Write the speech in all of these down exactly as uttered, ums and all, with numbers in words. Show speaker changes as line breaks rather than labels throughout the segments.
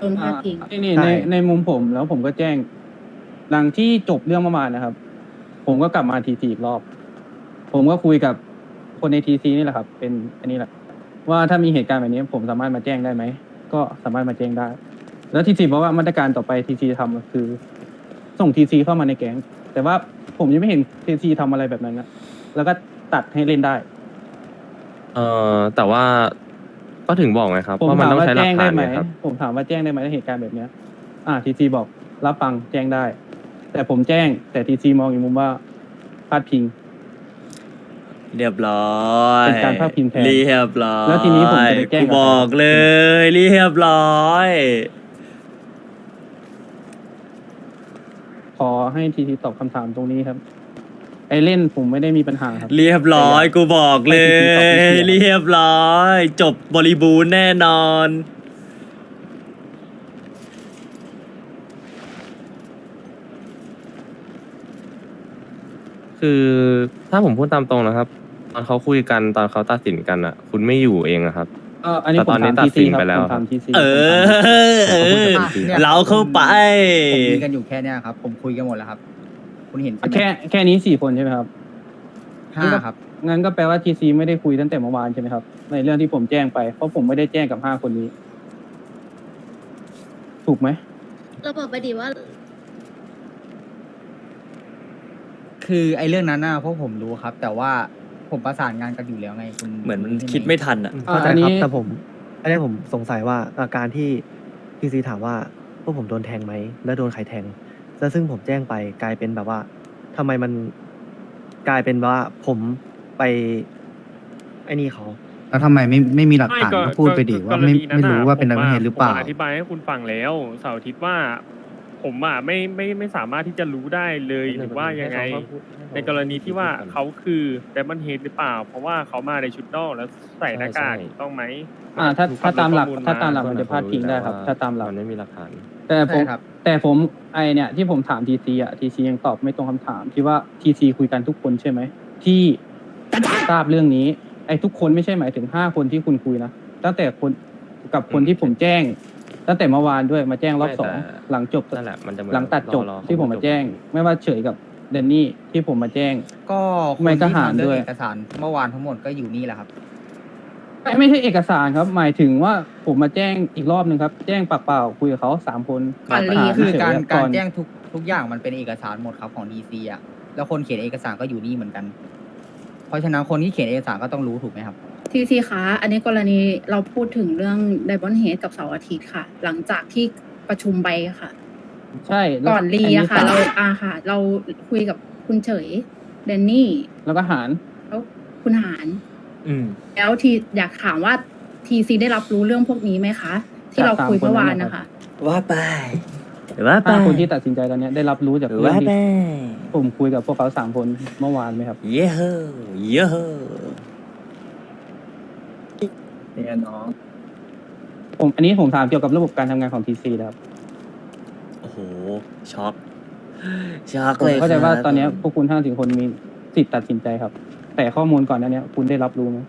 โดนพาดพิง
นี่นี่
ใช่
ในในมุมผมแล้วผมก็แจ้ง หลังที่จบเรื่องเมื่อวานนะครับ ผมก็กลับมาทีซีอีกรอบ ผมก็คุยกับคนในทีซีนี่แหละครับ เป็นอันนี้แหละ ว่าถ้ามีเหตุการณ์แบบนี้ผมสามารถมาแจ้งได้ไหม ก็สามารถมาแจ้งได้ แล้วทีซีบอกว่ามาตรการต่อไปทีซีทำก็คือ ส่งทีซีเข้ามาในแก๊ง แต่ว่าผมยังไม่เห็นทีซีทำอะไรแบบนั้นนะแล้วก็ตัดให้เล่นได้
เอ่อแต่ว่าก็ถึงบอกไงครับ
ผม
ว่ามัน
ถาม
ต้อง
ว่า
ใช้หลั
แจ้
ก
ง
ฐา
ได้
น
ไหม
ไงครับ
ผมถามว่าแจ้งได้ไหมในเหตุการณ์แบบเนี้ย อ่าทีซีบอกรับฟังแจ้งได้ แต่ผมแจ้ง แต่ทีซีมองอีกมุมว่าพลาดพิง
เรียบร้อย
เป็นการพาดพิงแทน
เรียบร้อย
แล้วทีนี้ผมจะไปแจ้ง
กู
กับ
บอกเลย เรียบร้อย
ขอให้ทีซีตอบคำถามตรงนี้ครับ ไอเล่นผมไม่ได้มีปัญหาครับ
เรียบร้อยกูบอกเล
ให้ทีซีตอบไม่
ย
เคลียร์
เรียบร้อย จบบริบูรณ์แน่นอน
คือถ้าผมพูดตามตรงนะครับ ตอนเขาคุยกันตอนเขาตัดสินกันอ่ะ คุณไม่อยู่เองอะครับ
เอออันนี้
แต่
ผม
ตอนนี้
ถาม
ตั
ที
ดสิ
ซี
น
ครับ
ไปแล้ว
ผมถามทีซี
เออเออ
เนี่ย
เราเข้าไป
ผมมีกันอยู่แค่เนี้ยครับ ผมคุยกันหมดแล้วครับ คุณเห็นใช่ไหม
แค่แค่นี้สี่คนใช่ไหมครับ
ห้าครับ
งั้นก็แปลว่าทีซีไม่ได้คุยตั้งแต่เมื่อวานใช่ไหมครับ ในเรื่องที่ผมแจ้งไป เพราะผมไม่ได้แจ้งกับห้าคนนี้ ถูกไหม
เราบอกไปดีว่า
คือไอ้เรื่องนั้นน่ะพวกผมรู้ครับ แต่ว่าผมประสานงานกันอยู่แล้วไงคุณ
เหมือนมัน
ใช่ไห
คิดไม่ทันอ่ะ
อ่า
เข้าใจ
อันนี้
ครับแต่ผมอันนี้ผมสงสัยว่าอาการที่พีซีถามว่าพวกผมโดนแทงไหมและโดนใครแทงแล้วซึ่งผมแจ้งไปกลายเป็นแบบว่าทำไมมันกลายเป็นว่าผมไปไอ้นี่เขา
แล้วทำไมไม่ไม่มีหลักฐาน
ไม่
ก็พูดไปดิว่าไม่ไม่รู้ว่าเป็นอะไรเหตุหรือเปล่า
ผมอธิบายให้คุณฟังแล้วเสาร์อาทิตย์ว่า ผมอ่ะไม่ไม่ไม่สามารถที่จะรู้ได้เลยหรือว่ายังไง ในกรณีที่ว่าเขาคือแดมอนเฮดหรือเปล่า เพราะว่าเขามาในชุดนอกแล้วใส่หน้ากากถูกต้องไหม
อ่า ถ้าถ้าตามหลัก
ข้อล
ถ้าตามหลัก
เพื่
มั
อน
นจะพลาดพิงได้ครับ
เขารู้
ถ้าตามหลัก
มันไม่มีหลักฐาน
แต่ผม
ใช่ครับ
แต่ผมไอเนี่ยที่ผมถามทีซีอ่ะทีซียังตอบไม่ตรงคำถามที่ว่าทีซีคุยกันทุกคนใช่ไหมที่ทราบเรื่องนี้ ไอทุกคนไม่ใช่หมายถึงห้าคนที่คุณคุยนะตั้งแต่คนกับคนที่ผมแจ้ง ตั้งแต่เมื่อวานด้วยมาแจ้งรอบ
ไม่
สอง
แต่
หลังจบ
นั่นแหละมันจะเมือน
หลังตัดจบ
รอๆ
ที่ผมมาแจ้ง ไม่ว่าเฉยกับเดนนี่ที่ผมมาแจ้ง
ก็คน
ไม่ท
ที่
หาร
ทำเรื่
ด้
อ
วย
งเอกสารเมื่อวานทั้งหมดก็อยู่นี่แหละครับ
ไม่ไม่ใช่เอกสารครับ หมายถึงว่าผมมาแจ้งอีกรอบหนึ่งครับ แจ้งปากเปล่าคุยกับเขาสามคน
ก่อนรี
หลัฐ
คือ
เฉยๆ
การ
ครับ
การ
อน
แจ้งทุกทุกอย่างมันเป็นเอกสารหมดครับของดีซีอ่ะแล้วคนเขียนเอกสารก็อยู่นี่เหมือนกัน เพราะฉะนั้นคนที่เขียนเอกสารก็ต้องรู้ถูกไหมครับ
ทีซีคะอันนี้กรณีเราพูดถึงเรื่องไดบอนเฮดกับเสาร์อาทิตย์ค่ะ หลังจากที่ประชุมไปค่ะ
ใช่แล้ว
ก่อนรีอะค่ะ
อัน
เรา
นี้
อาค่ะ เราคุยกับคุณเฉยเดนนี่
แล้วก็หาร
แล้วคุณหาร
อืม
แล้วทีอยากถามว่าทีซีได้รับรู้เรื่องพวกนี้ไหมคะ ที่เราคุยเมื่อวานนะคะ
ว่าไปว่าไป
ห้าคนที่ตัดสินใจตอนเนี้ยได้รับรู้จากเรื่อง
ว่าไป
ที่ผมคุยกับพวกเขาสามคนเมื่อวานไหมครับ
เย้เฮ้เย้เฮ้
เนี่ยน้อง
ผมอันนี้ผมถามเกี่ยวกับระบบการทำงานของทีซีครับ
โอ้โห ช็อก ช็อก
ผม
เลย
เข้าใจว่า
ครับ
ตอนเนี้ยพวกคุณห้าสิบคนมีสิทธิ์ตัดสินใจครับ แต่ข้อมูลก่อนหน้าเนี้ยคุณได้รับรู้ไหม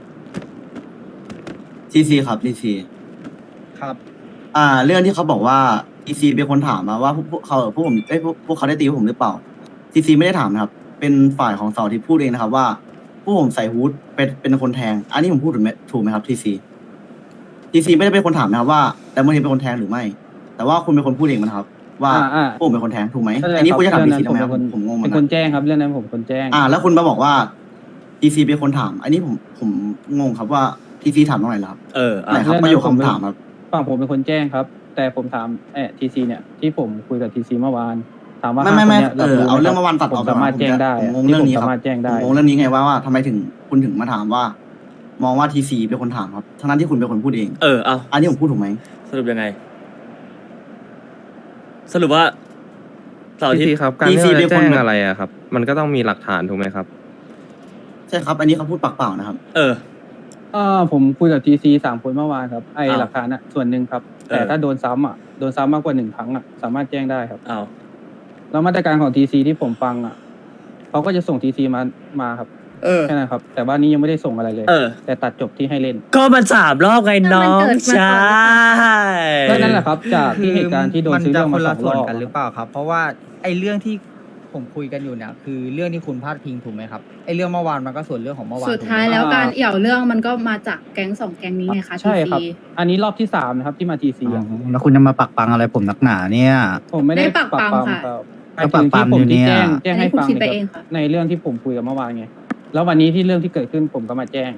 ทีซีครับทีซี
ครับ
อ่า เรื่องที่เขาบอกว่าทีซีเป็นคนถามมาว่าพวกพวกเขาพวกผมเอ้ยพวกพวกเขาได้ตีพวกผมหรือเปล่าทีซีไม่ได้ถามนะครับ เป็นฝ่ายของเสาที่พูดเองนะครับว่าพวกผมใส่ฮูดเป็นเป็นคนแทง อันนี้ผมพูดถูกไหมถูกไหมครับทีซีทีซีไม่ได้เป็นคนถามนะครับว่าแต่เมื่อกี้เป็นคนแทงหรือไม่ แต่ว่าคุณเป็นคนพูดเองนะครับ ว่า
อ่าอ่า
พวกผมเป็นคนแทงถูกไหม
เข้าใจ
อันนี้คุณจะถาม
เรื่
ที
อง
ซี
นั้น
ทำไมครับ
ผมเป็นคน
ผมงงเหมื
เป็
อน น
ค
กัน น
แจ้งครับเรื่องนั้นผมเป็นคนแจ้ง
อ่า แล้วคุณมาบอกว่าทีซีเป็นคนถาม อันนี้ผมผมงงครับว่าทีซีถามตรงไหนเหรอครับ
เอออ่ะ
ไหนครับประโยคคำถามครับ
ฝั่งผมเป็นคนแจ้งครับ แต่ผมถามเออทีซีเนี่ยที่ผมคุยกับทีซีเมื่อวาน ถามว่า
ไม่ไม่ไม่
ห้าคนนี่ย
เออ
รับ
เอา
ไห
เรื่องเมื่อวานตัด
ผม
ออกไป
สามารถแจ้งได้
ผมงง
ที่
เรื่องนี้
ผม
ครับ
สามารถแจ้งได้
ผมงงเรื่องนี้ไงว่าว่าทำไมถึงคุณถึงมาถามว่า มองว่าทีซีเป็นคนถามครับทั้งนั้นที่คุณเป็นคนพูดเอง
เออ เอา
อันนี้ผมพูดถูกไหม
สรุปยังไง สรุปว่าเสาร์อา
ที
ทิต
ซี
ย์
ครับ การที่เราจะแจ้งอะไรอะครับ มันก็ต้องมีหลักฐานถูกไหมครับ
ใช่ครับ อันนี้เขาพูดปากเปล่านะครับ
เออ
เออผมคุยกับทีซีสามคนเมื่อวานครับไอ
อ้าว
หลักฐานอ่ะส่วนหนึ่งครับ แต่
เออ
ถ้าโดนซ้ำอ่ะโดนซ้ำมากกว่าหนึ่งครั้งอ่ะสามารถแจ้งได้ครับ
เอา
แล้วมาตรการของทีซีที่ผมฟังอ่ะเขาก็จะส่งทีซีมามาครับ
เออ
แค่นั้นครับ แต่ว่านี้ยังไม่ได้ส่งอะไรเลย
เออ
แต่ตัดจบที่ให้เล่น
ก็มันสามรอบไงน้อง
มันเกิดมาก่อนหรือเป
ใช่
ล่า
ก็นั่นแหละครับ จากที่เหตุการณ์ที่โดนซื้อเรื่องมาสองรอบ
นจะคนละส่วนกันหรือเปล่าครับ เพราะว่าไอ้เรื่องที่ผมคุยกันอยู่เนี่ยคือเรื่องที่คุณพาดพิงถูกไหมครับไอ้เรื่องเมื่อวานมันก็ส่วนเรื่องของเมื่อวาน
สุดท้าย
ถูกไหม
แล้วการเอี่ยวเรื่องมันก็มาจากแก๊งสองแก๊งนี้ไงคะ
ใช่ครับ
ที ซี
อันนี้รอบที่สามนะครับที่มาทีซี
อ๋อแล้วคุณจะมาปักปังอะไรผมนักหนาเนี่ย
ผมไม่ได้
ไม่ได้ปักปั๊มค่ะ
ครับ
ก็ปักปั๊ม
หมายถึงที่ผม
อยู่เนี่ย
ที่แจ้งแจ้งให้
คุณ
ฟัง
คิดไป
ใน
เองค่ะ
ในเรื่องที่ผมคุยกับเมื่อวานไง แล้ววันนี้ที่เรื่องที่เกิดขึ้นผมก็มาแจ้ง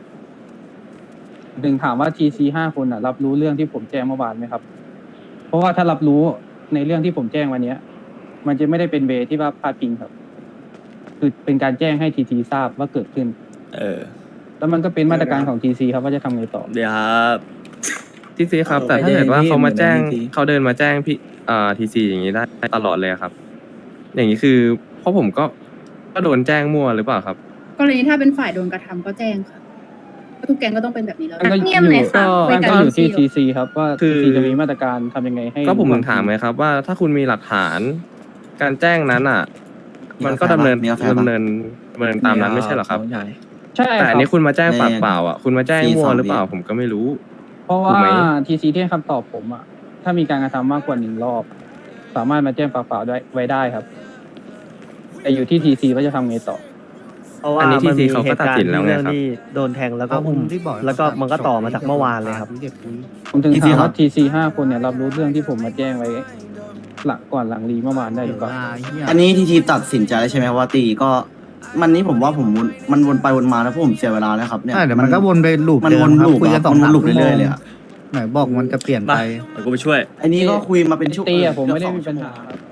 ถึงถามว่าทีซีห้าคนอ่ะ รับรู้เรื่องที่ผมแจ้งเมื่อวานไหมครับ เพราะว่าถ้ารับรู้ในเรื่องที่ผมแจ้งวันเนี้ย มันจะไม่ได้เป็นเวที่ว่าพาดพิงครับ คือเป็นการแจ้งให้ทีทีทราบว่าเกิดขึ้น
เออ
แล้วมันก็เป็นมาตรการของทีซีครับว่าจะทำไงต่อ
เดี๋ยวครับ
ทีซีครับ แต่ถ้าเกิดว่าเขามาแจ้งเขาเดินมาแจ้งพี่อ่าทีซีอย่างนี้ได้ตลอดเลยครับ อย่างนี้คือเพราะผมก็ก็โดนแจ้งมั่วหรือเปล่าครับ
กรณีถ้าเป็นฝ่ายโดนกระทำก็แจ้งค่ะทุกแก๊งก็ต้องเป็นแบบนี้แล้ว
มันก็อยู่
เงียบเลยค่ะ
มัน
คุ
ก็
กั
อยู่ที่
ซี
ทีซีครับว่า
คื
ที
อ
ซีจะมีมาตรการทำยังไงให้
ก็ผมถึงถามไงครับว่าถ้าคุณมีหลักฐานการแจ้งนั้นอ่ะ มันก็ดำเนิน
มีกาแฟปะ
ดำเนินดำเนินตามนั้นไม่ใช่เหรอครับ
ใช่
ใช่
แต่อันนี้
รับ
คุณมาแจ้งปาก
ใน
เปล่าอ่ะคุณมาแจ้ง
สี่
มั่ว
สอง
หรือเปล่า
วิ
ผมก็ไม่รู้
เพราะ
ถู
ว่าก
ไหม
ทีซีที่ให้คำตอบผมอ่ะ ถ้ามีการกระทำมากกว่าหนึ่งรอบ สามารถมาแจ้งปากเปล่าได้ไว้ได้ครับ แต่อยู่ที่ทีซีว่าจะทำไงต่อ
เพราะว่า
อันนี้
มันมี
ที ซี เขา
เห
ก็
ตุ
ตัด
การ
สิ
ณ์
นแล้ว
ที่
ไง
เรื่อง
ครับ
ที่โดนแทงแล้วก็อุ้มแล้วก็มันก็ต่อมาจากเมื่อวานเลยครับ
ผมถึง
ที ซี
ถาม
ครั
ว่า
บ
ทีซีห้าคนเนี่ยรับรู้เรื่องที่ผมมาแจ้งไว้ หลังก่อนหลังรีเมื่อวานได้หรือเปล่า
อันนี้ทีทีตัดสินใจแล้วใช่ไหมครับว่าตีก็ มันนี้ผมว่าผมวนมันวนไปวนมาแล้วผมเสียเวลาแล้วครับเนี่ย
ใช่เดี๋ยวมันก็วนไปลูป
มัน
เดิ
วน
มครับ
ลูป
คุยกัน
อะ
สอง
มันวน
สาม
ลูป
ชั่วโม
เรื่อย
ง
ๆเลยอะ
ไหนบอกมันจะเปลี่ยน
มา
ไป
เดี๋ยวกูไปช่วย
อันนี้ก็คุยมาเป็นชั่ว
ตีอะผมไม่ได้
เกือบสอง
มีปัญหา
ชั่วโง
ครับ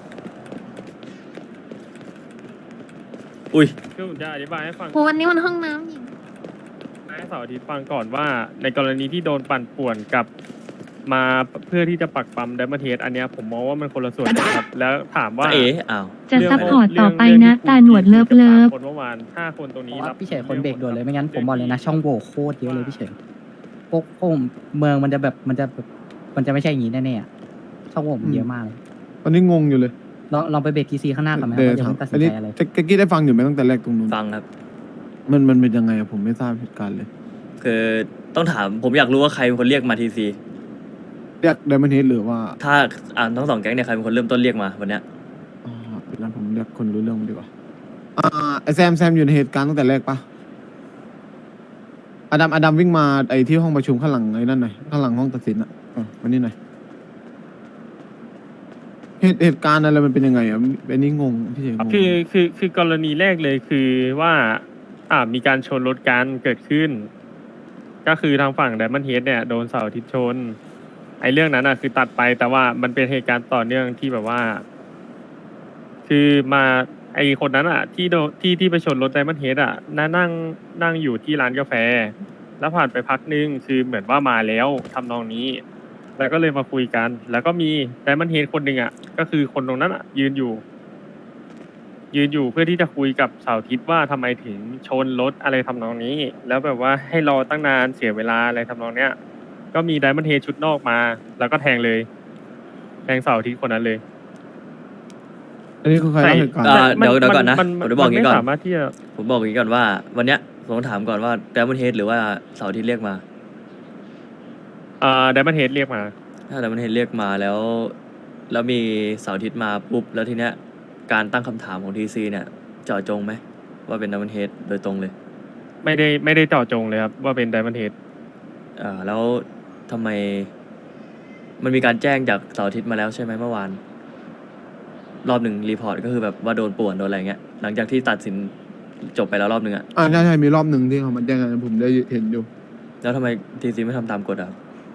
อุ้ย
คือผมจะอธิบายให้ฟัง
โหวันนี้มันห้องน้ำหญิง
ให้เสาร์อาทิตย์ฟังก่อนว่า ในกรณีที่โดนปั่นป่วนกับมาเพื่อที่จะปักปั๊มไดมอนเทสอันเนี้ยผมมองว่ามันคนละส่วนกันครับ แล้วถามว่า
เอ๋อ้าว
จะ
เง
ซัพพอร์ตต่อไปนะ
เรื่อง
ตาหนวดเลิฟเลิฟ
คนเมื่อวานห้าคนตรงนี้รับ
พี่เฉยคนเบรกด่วนเลยไม่งั้นผมบอกเลยนะช่องโหว่โคตรเยอะเลยพี่เฉยพวกพวกเมืองมันจะแบบมันจะแบบมันจะไม่ใช่อย่างนี้แน่ๆอะช่องโหว่มันเยอะมากเลย
ตอนนี้งงอยู่เลย
ลองลองไปเบรกทีซีข้างหน้าก่อนไหมค
เดี๋
รับ
ยว
ว่าจะ
ถาม
ไม่ตัดสิ
อั
น
นนี้
ใจอะไร
แจ็กกี้ได้ฟังอยู่ไหมตั้งแต่แรกตรงนู้น
ฟังครับ
มันมันเป็นยังไงอะผมไม่ทราบเหตุการณ์เลย
คือต้องถามผมอยากรู้ว่าใครเป็นคนเรียกมาทีซี
เรียกไดมอนเฮดหรือว่า
ถ้าอ่านทั้งสองแก๊งเนี่ยใครเป็นคนเริ่มต้นเรียกมาวันเนี้ย
อ่าเป็นนั้นผมเรียกคนรู้เรื่องดีกว่าอ่าไอแซมแซมอยู่ในเหตุการณ์ตั้งแต่แรกปะอดัมอดัมวิ่งมาไอที่ห้องประชุมข้างหลังไอ้นั่นหน่อยข้างหลังห้องตัดสินอะอ่ะมานี่หน่อยเหตุเหตุการณ์อะไรมันเป็นยังไงอะอันนี้งงพี่เฉยงง
คือคือคือกรณีแรกเลยคือว่า อ่ามีการชนรถกันเกิดขึ้น ก็คือทางฝั่งไดมอนเฮดเนี่ยโดนเสาร์อาทิตย์ชน ไอ้เรื่องนั้นอ่ะคือตัดไปแต่ว่ามันเป็นเหตุการณ์ต่อเนื่องที่แบบว่า คือมาไอ้คนนั้นอ่ะ ที่โดนที่ที่ไปชนรถไดมอนเฮดอ่ะนั่งนั่งนั่งอยู่ที่ร้านกาแฟ แล้วผ่านไปพักนึงคือเหมือนว่ามาแล้วทำนองนี้ แล้วก็เลยมาคุยกัน แล้วก็มีไดมอนเฮดคนหนึ่งอ่ะ ก็คือคนตรงนั้นอ่ะ ยืนอยู่ ยืนอยู่เพื่อที่จะคุยกับเสาร์อาทิตย์ว่าทำไมถึงชนรถอะไรทำนองนี้ แล้วแบบว่าให้รอตั้งนานเสียเวลาอะไรทำนองเนี้ย ก็มีไดมอนเฮดชุดนอกมา แล้วก็แทงเลย แทงเสาร์อาทิตย์คนนั้นเลย
อันนี้คือใครเล่าเหตุการณ์
อ่าเดี๋ยวเดี๋ยวก่อนนะ
มั
ผมจะบอกอย่างนี้ก่อน
ไม่สามารถที่จะ
ผมบอกอย่างนี้ก่อนว่า วันเนี้ยผมต้องถามก่อนว่าแดมอนเฮดหรือว่าเสาร์อาที่เรียกมา
อ่าไดมอนเฮดเรียกมา
ถ้าแดมอนเฮดเรียกมาแล้ว แล้วมีเสาร์อาทิตย์มาปุ๊บแล้วทีเนี้ยการตั้งคำถามของทีซีเนี่ยเจาะจงไหมว่าเป็นแดมอนเฮดโดยตรงเลย
ไม่ได้ไม่ได้เจาะจงเลยครับ ว่าเป็นไดมอนเฮด
อ่าแล้วทำไม มันมีการแจ้งจากเสาร์อาทิตย์มาแล้วใช่ไหมเมื่อวาน รอบหนึ่งรีพอร์ตก็คือแบบว่าโดนป่วนโดนอะไรเงี้ยหลังจากที่ตัดสินจบไปแล้วรอบหนึ่งอะ
อ่าใช่ใช่มีรอบหนึ่งที่เขามาแจ้งกันผมได้เห็นอยู่
แล้วทำไมทีซีไม่ทำตามกฎอะครับ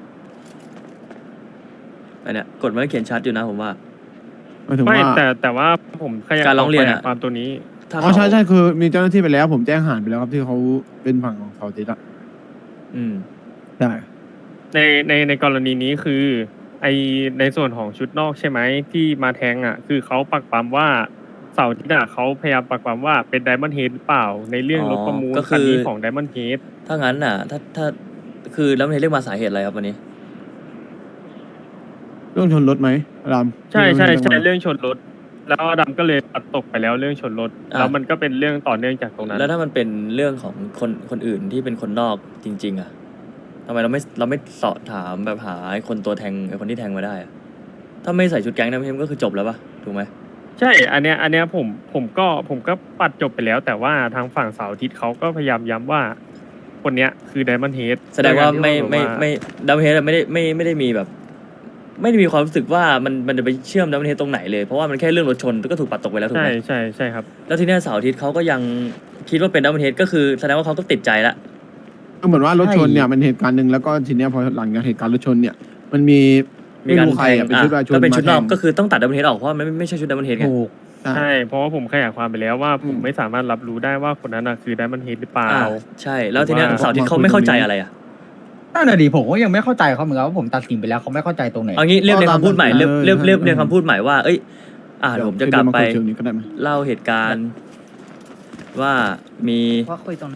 อันเนี้ยกฎมันก็เขียนชัดอยู่นะผมว่า
หมายถึง
ไม่
ว่า
แต่แต่ว่าผมขยาย
การร้องเรียนอะ
ความตัวนี้
ถ้า
อ๋อ
เขา
ใช่ใช่คือมีเจ้าหน้าที่ไปแล้ว ผมแจ้งหานไปแล้วครับที่เขาเป็นฝั่งของเขาติดอะ
อืม
ใช่
ในในในกรณีนี้คือ ไอในส่วนของชุดนอกใช่ไหมที่มาแทงอ่ะ คือเขาปักปั๊มว่าเสาร์อาที่น่ะเขาพยายามปักปั๊มว่าเป็นไดมอนด์เฮดหรือเปล่า ในเรื่อง
อ๋อ
รถประมูล
ก็คือ
คันนี้ของไดมอนด์เฮด
ถ้างั้นน่ะ ถ้าถ้าคือแล้วมันเรียกมาสาเหตุอะไรครับวันนี้
เรื่องชนรถไหมราม
ใช่ใช่ใช่
เรื่อง
เรื่องชนรถแล้วดำก็เลยปัดตกไปแล้วเรื่องชนรถ
อ่ะ
แล้วมันก็เป็นเรื่องต่อเนื่องจากตรงนั้น
แล้วถ้ามันเป็นเรื่องของคนคนอื่นที่เป็นคนนอกจริง ๆ อ่ะทำไมเราไม่เราไม่สอบถามแบบหาไอ้คนตัวแทงไอ้คนที่แทงมาได้อะถ้าไม่ใส่ชุดแก๊งนะพี่ก็คือจบแล้วปะถูกไหม
ใช่ อันเนี้ยอันเนี้ยผมผมก็ผมก็ปัดจบไปแล้ว แต่ว่าทางฝั่งเสาร์อาทิตย์เขาก็พยายามย้ำว่า คนเนี้ยคือไดมอนด์เฮด
แสดงว่าไม่ไม่ไม่ดัมเฮดไม่ได้ไม่ไม่ได้มีแบบ ไม่ได้มีความรู้สึกว่ามันมันจะไปเชื่อมดัมเฮดตรงไหนเลยเพราะว่ามันแค่เรื่องรถชนก็ถูกปัดตกไปแล้วถูก
ใช่
ไหม
ใช่ใช่ครับ
แล้วทีเนี้ยเสาร์อาทิตย์เขาก็ยังคิดว่าเป็นดัมเฮดก็คือแสดงว่าเขาก็ติดใจละ
ก็เหมือนว่ารถชนเนี่ยมันเหตุการณ์หนึ่งแล้วก็ทีเนี้ยพอหลังจากเหตุการณ์รถชนเนี่ย มันมี
มี
ไม่
การ
รู้ใคร
แทง
อะเป็น
อ่ะ
ชุดประชาชน
ถ้าเป็นชุดนอก
มาแทง
ก็คือต้องตัดดัมเฮดออกเพราะว่ามันไม่ไม่ใช่ชุดดัมเฮดไง
ถูก
ใช่ เพราะว่าผมขยายความไปแล้วว่าผมไม่สามารถรับรู้ได้ว่าคนนั้นน่ะคือไดมอนด์เฮดหรือเปล่า
อ่าใช่ แล้วทีเนี้ย
ว่า
เสาร์อาทิตย์เขาไม่เข้าใจอะไรอ่ะ
นั่นแหละดิผมก็ยังไม่เข้าใจเขาเหมือนกันว่าผมตัดสินไปแล้วเขาไม่เข้าใจตรงไหน
เอางี้เรียบเรียงคำพูดใหม่เรียบเรียบเรียบเรียงคำพูดใหม่ว่าเอ้ยอ่าเดี๋ยวผมจะกลับไป
เชิงนี้ก็ได้ไหม
เล่าเหตุการณ์ว่ามี
ว่าคุยตรงนั้น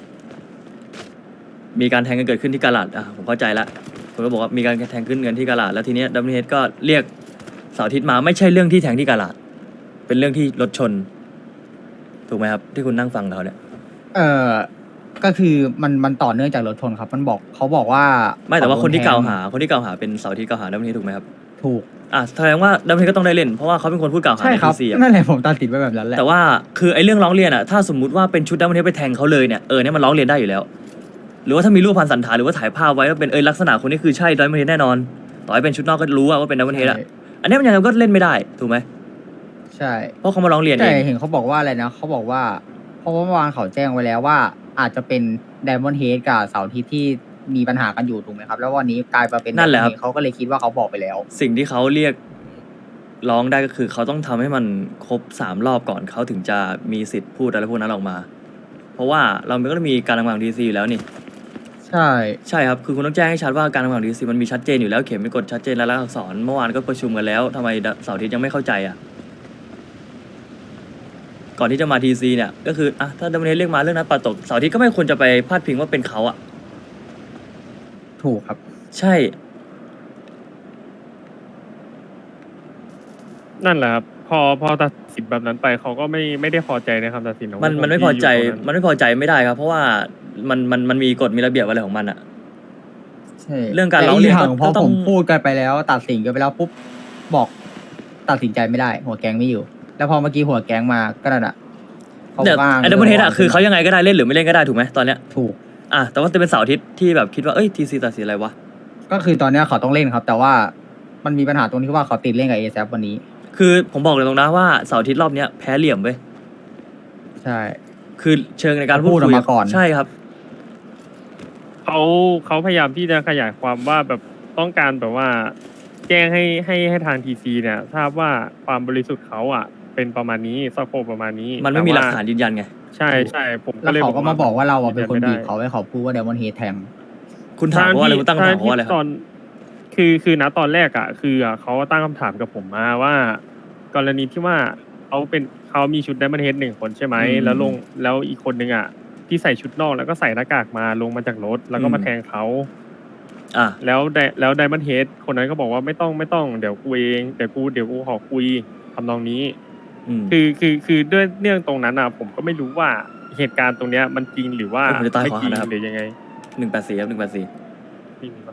มีการแทงกันเกิดขึ้นที่กาลาดอ่ะผมเข้าใจละผมก็บอกว่ามีการแทงขึ้นกันที่กาลาดแล้วทีเนี้ยดัมเบิลเฮดก็เรียกเสาร์อาทิตย์มาไม่ใช่เรื่องที่แทงที่กาลาดเป็นเรื่องที่รถชน ถูกไหมครับ ที่คุณนั่งฟังเขาเนี่ย
เออก็คือมันมันต่อเนื่องจากรถชนครับ มันบอกเขาบอกว่า
ไม่แต่ว่าคนที่
เข
กล่าว
โดนแทง
หา คนที่กล่าวหาเป็นเสาร์อาทิตย์กล่าวหาดัมเบิลเฮดถูกไหมครับ
ถูก
อ่ะแสดงว่าดัมเบิลเฮดก็ต้องได้เล่นเพราะว่าเขาเป็นคนพูดกล่าวหา
ใช่
ใน
ครับ
ทีซีอ่ะ
นั่นแหละผมตัดสินไปแบบนั้นแหละ
แต่ว่าคือไอ้เรื่องร้องเรียนอ่ะถ้าสมมุติว่าเป็นชุดดัมเบิลเฮดไปแทงเขาเลยเนี่ยเออเนี่ยมันร้องเรียนได้อยู่แล้ว หรือว่าถ้ามีรูปพันสันฐานหรือว่าถ่ายภาพไว้ว่าเป็นเออลักษณะคนนี้คือใช่ดัมเบิลเฮดแน่นอน ต่อให้เป็นชุดนอกก็รู้ว่าเป็นดัมเบิลเฮดอ่ะอันนี้มันยังไงก็เล่นไม่ได้ถูกไหม
ใช่
เพราะเขามาร้องเรียนเอ
แต่
ง
เห็นเขาบอกว่าอะไรนะเขาบอกว่าเพราะว่าเมื่อวานเขาแจ้งไว้แล้วว่า อาจจะเป็นไดมอนด์เฮดกับเสาร์อาทิตย์ที่มีปัญหากันอยู่ถูกไหมครับ แล้ววันนี้กลายมาเป็น
นั่นแหละครับ
Diamond Head เขาก็เลยคิดว่าเขาบอกไปแล้ว
สิ่งที่เขาเรียกร้องได้ก็คือเขาต้องทำให้มันครบสามรอบก่อนเขาถึงจะมีสิทธิ์พูดอะไรพวกนั้นออกมา เพราะว่าเราก็ต้องมีการทำงานของดีซีอยู่แล้วนี่
ใช่
ใช่ครับคือคุณต้องแจ้งให้ชัดว่าการทำงานของดีซีมันมีชัดเจนอยู่แล้วเขียนเป็นกฎชัดเจนและลักษณ์อักษรเมื่อวานก็ประชุมกันแล้วทำไมเสาร์อาทิตย์ยังไม่เข้าใจอ่ะก่อนที่จะมาทีซีเนี่ยก็คืออ่ะถ้าดัมเบิลเฮดเรียกมาเรื่องนั้นปัดตกเสาร์อาทิตย์ก็ไม่ควรจะไปพาดพิงว่าเป็นเขาอ่ะ
ถูกครับ
ใช่
นั่นแหละครับพอพอตัดสินแบบนั้นไปเขาก็ไม่ไม่ได้พอใจในคำตัดสินของ
มัน
พวก
มันไม่
ที่
พอใจ
ยู่ตรง
มันไม่พอใจไม่ได้ครับ เพราะว่ามันมันมันมีกฎมีระเบียบอะไรของมันอ่ะ
ใช่
เรื่องการร้องเรียน
แต่
ก็
กย่างพอ
ก็ต้
ผ
อง
มพูดกันไปแล้ว ตัดสินกันไปแล้วปุ๊บบอกตัดสินใจไม่ได้ หัวแก๊งไม่อยู่ แล้วพอเมื่อกี้หัวแก๊งมาก็นั่นอ่ะเขา
เนี่ย
ว่าง
ไอ้ดัมเบิลเฮดอะคือเขายังไงก็ได้เล่นหรือไม่เล่นก็ได้ถูกไหมตอนเนี้ย
ถูก
อ่ะแต่ว่าจะเป็นเสาร์อาทิตย์ที่แบบคิดว่าเอ้ยทีซีตัดสินอะไรวะ
ก็คือตอนเนี้ยเขาต้องเล่นครับ แต่ว่ามันมีปัญหาตรงที่ว่าเขาติดเล่นกับเอ a p วันนี้
คือผมบอกเลยตรงนะว่าเสาร์อาทิตย์รอบเนี้ยแพ้เหลี่ยมเว้ย
ใช่
คือเชิงในการพูด
พูดออก
คุย
มาก่อน
ใช่ครับ
เขาเขาพยายามที่จะขยายความว่าแบบต้องการแบบว่า แจ้งให้ให้ให้ทางทีซีเนี่ยทราบว่าความบริสุทธิ์เขาอ่ะ เป็นประมาณนี้สโคปประมาณนี้
มันไม่มีหลัก
แต่ว่
ฐานยืนยันไง
ใช่ใช่ผมก็
แล้ว
เลย
เขาก็มาบอกว่าเราอะเป็นคน
ยื
บี
ยั
บ
ไม่ได้
เขาให้เขาพูดว่าเดมอนเฮดแทง
คุณถามเขาว่าอะไรคุณตั้งคำถามเขาว่าอะไรค
ต
รั
อบ นคือคือณตอนแรกอ่ะ คืออ่ะเขาตั้งคำถามกับผมมาว่า กรณีที่ว่าเขาเป็นเขามีชุดไดมอนด์เฮดหนึ่งคนใช่ไหม
อืม
แล้วลงแล้วอีกคนนึงอ่ะ ที่ใส่ชุดนอกแล้วก็ใส่หน้ากากมาลงมาจากรถ แล้วก็
อืม
มาแทงเขา
อ่ะ
แล้วไดแล้วไดมอนด์เฮดคนนั้นก็บอกว่าไม่ต้องไม่ต้องเดี๋ยวกูเองเดี๋ยวกูเดี๋ยวกูขอคุยทำนองนี้
อืม
คือคือคือด้วยเรื่องตรงนั้นอ่ะ ผมก็ไม่รู้ว่าเหตุการณ์ตรงเนี้ยมันจริงหรือว่า
ผมจะตาย
ไม่
ขอ
จริง
นะครับ
หรือยังไง
หนึ่งแปดสี่ครับหนึ่งแปดสี่
ไม่มีปะ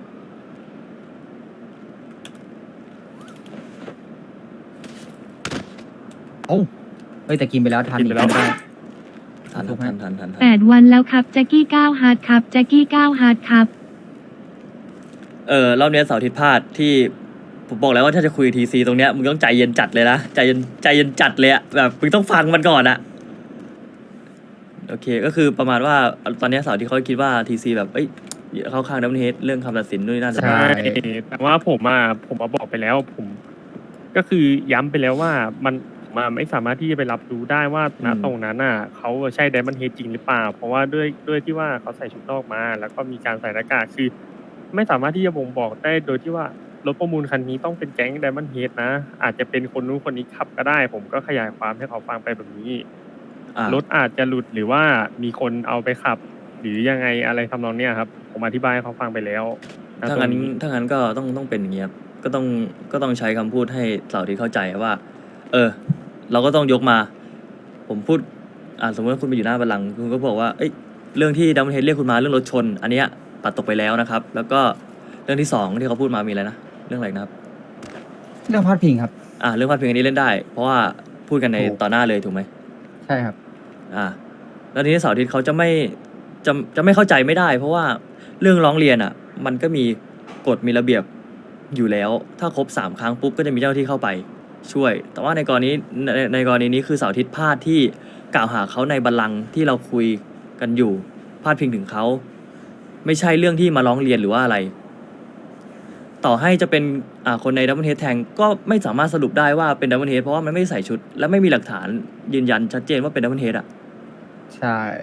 เฮ้ยแต่กินไปแล้วทัน
กิน
อี
ไป
ก
แล้ว
ไม่ได้
ทันครับทันทันทันทัน
แปดวันแล้วครับแจ็คกี้เก้าฮาร์ดครับแจ็คกี้เก้าฮาร์ดครับ
เออรอบเนี้ยเสาร์อาทิตย์พลาดที่ผมบอกแล้วว่าถ้าจะคุยทีซีตรงเนี้ยมึงต้องใจเย็นจัดเลยนะใจเย็นใจเย็นจัดเลยอะแบบมึงต้องฟังมันก่อนอะโอเคก็คือประมาณว่าตอนเนี้ยเสาร์ที่เขาคิดว่าทีซีแบบเอ้ยเข้าข้างดัมเบิลเฮดเรื่องคำตัดสินนู่นนนั่น
ใช่
แต่ว่าผมอ่ะผมมาบอกไปแล้ว ผม ก็คือย้ำไปแล้วว่ามันผมอะไม่สามารถที่จะไปรับรู้ได้ว่าณตรงนั้นน่ะเขาใช่ไดมอนด์เฮดจริงหรือเปล่า เพราะว่าด้วยด้วยที่ว่าเขาใส่ชุดนอกมา แล้วก็มีการใส่หน้ากากคือ ไม่สามารถที่จะบ่งบอกได้โดยที่ว่ารถประมูลคันนี้ต้องเป็นแก๊งไดมอนด์เฮดนะ อาจจะเป็นคนนู้นคนนี้ขับก็ได้ ผมก็ขยายความให้เขาฟังไปแบบนี้
อ่ะ
รถอาจจะหลุดหรือว่ามีคนเอาไปขับ หรือยังไงอะไรทำนองเนี้ยครับ ผมอธิบายให้เขาฟังไปแล้วณ
ถ้า
ตร
งั้น
นี้
ถ้างั้นก็ต้องต้องเป็นอย่างเงี้ยครับก็ต้องก็ต้องใช้คำพูดให้เสาร์อาที่เข้าใจว่าเออ เราก็ต้องยกมา ผมพูดอ่าสมมติว่าคุณไปอยู่หน้าบัลลังก์คุณก็บอกว่าเอ้ยเรื่องที่ดัมเบิลเฮดเรียกคุณมาเรื่องรถชน อันเนี้ยปัดตกไปแล้วนะครับ แล้วก็เรื่องที่สองที่เขาพูดมามีอะไรนะเรื่องอะไรนะครับ
เรื่องพาดพิงครับ
อ่าเรื่องพาดพิงอันนี้เล่นได้ เพราะว่าพูดกันใน
ถูก
ต่อหน้าเลยถูกไหม
ใช่ครับ
อ่า แล้วทีนี้เสาร์อาทิตย์เขาจะไม่จะจะไม่เข้าใจไม่ได้ เพราะว่าเรื่องร้องเรียนอ่ะ มันก็มีกฎมีระเบียบอยู่แล้ว ถ้าครบสามครั้งปุ๊บก็จะมีเจ้าหน้าที่เข้าไปช่วย แต่ว่าในกรณีในในกรณีนี้คือเสาร์อาทิตย์พลาดที่กล่าวหาเขาในบัลลังก์ที่เราคุยกันอยู่พาดพิงถึงเขาไม่ใช่เรื่องที่มาร้องเรียนหรือว่าอะไร ต่อให้จะเป็นอ่าคนในดับเบิลเฮดแทงก็ไม่สามารถสรุปได้ว่าเป็นดับเบิลเฮดเพราะว่ามันไม่ใส่ชุด และไม่มีหลักฐานยืนยันชัดเจนว่าเป็นดับเบิลเฮดอ่ะ
ใช่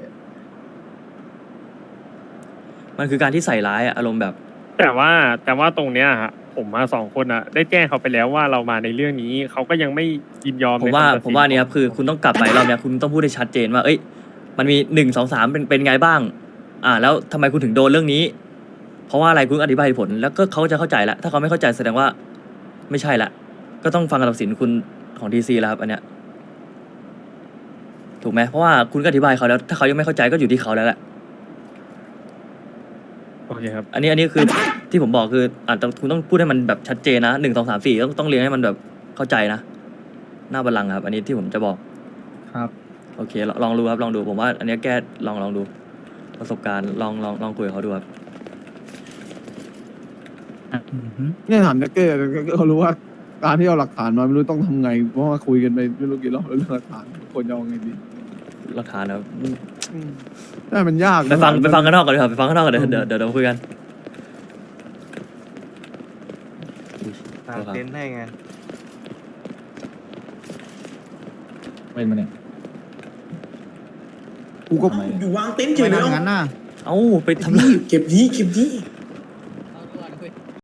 มันคือการที่ใส่ร้ายอะอารมณ์แบบ
แต่ว่าแต่ว่าตรงเนี้ยฮะผมมาสองคนอ่ะ ได้แจ้งเขาไปแล้วว่าเรามาในเรื่องนี้เขาก็ยังไม่ยินยอม
ผมว่า
ในคำตัดสิน
ผมว่าเนี่ยครับคือคุณต้องกลับไปรอบเนี้ยคุณต้องพูดให้ชัดเจนว่า เอ้ย มันมีหนึ่งสองสามเป็นเป็นไงบ้าง อ่า แล้วทำไมคุณถึงโดนเรื่องนี้ เพราะว่าอะไรคุณอธิบายเหตุผล แล้วก็เขาจะเข้าใจละถ้าเขาไม่เข้าใจแสดงว่า ไม่ใช่ละก็ต้องฟังคำตัดสินคุณของทีซีแล้วครับอันเนี้ยถูกไหมเพราะว่าคุณก็อธิบายเขาแล้ว ถ้าเขายังไม่เข้าใจก็อยู่ที่เขาแล้วแหละ
โอเคครับ
อันนี้อันนี้คือ ที่ผมบอกคืออ่าคุณต้องพูดให้มันแบบชัดเจนนะหนึ่งสองสามสี่ต้องต้องเรียงให้มันแบบเข้าใจนะหน้าบัลลังก์ครับ อันนี้ที่ผมจะบอก
ครับ
โอเคลองลองดูครับลองดูผมว่า อันนี้แก้ลองลองดูประสบการณ์ลองลองลองคุยกับเขาดูครับ
อือฮึ
เนี่ยถามแจ็คเก้เขารู้ว่าการที่เอาหลักฐานมาไม่รู้ต้องทำไง เพราะว่าคุยกันไปไม่รู้กี่รอบแล้วเรื่องหลักฐานคนจะเอาไงดี
หลักฐานนะครับ
แต่มันยากนะ
ไปฟังไปฟังข้างนอกก่อนดีกว่าไปฟังข้างนอกก่อนเดี๋ยวเดี๋ยวเดี๋ยวเราคุยกัน
ตามเต็นท์ให้ไง
เป็นมาเนี่ยกูก็
อยู่วางเต็นท์เฉยเลย
ทำงั้นน่ะ
เอ้าไปทำร้าย
เก็บดีเก็บดี